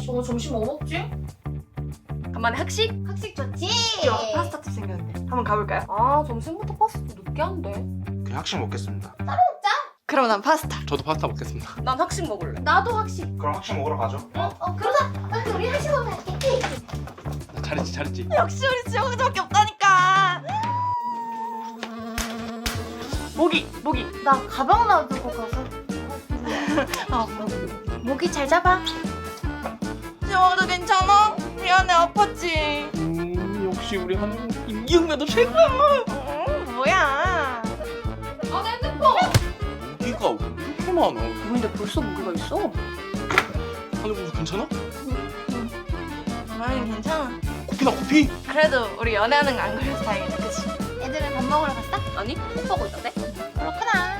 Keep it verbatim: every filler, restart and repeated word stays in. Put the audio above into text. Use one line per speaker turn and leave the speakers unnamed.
오늘 점심 뭐 먹지?
간만에 학식?
학식 좋지?
야, 파스타집 생겼는데 한번 가볼까요? 아 점심부터 파스타 느끼한데.
그냥 학식 먹겠습니다.
그럼 난 파스타.
저도 파스타 먹겠습니다.
난 학식 먹을래.
나도 학식.
그럼 학식 먹으러 가죠.
어? 어 그러자. 빨리 우리 학식 먹으러 갈게.
잘했지 잘했지.
역시 우리 지영이밖에 없다니까. 모기 모기.
나 가방 놔두고 가서.
아 모기.
모기 잘 잡아.
지영아 괜찮아? 미안해 아팠지.
음 역시 우리 한국 임기응변도 최고야.
음, 뭐야?
아, 내 핸드폰.
모기가 왜 이렇게 많아?
근데 벌써 모기가 있어?
하늘공주 괜찮아?
아니 괜찮아.
코피나 코피?
그래도 우리 연애하는 거 안 걸려서 다행이다, 그치?
애들은 밥 먹으러 갔어?
아니 꼭 보고 있던데?
그렇구나.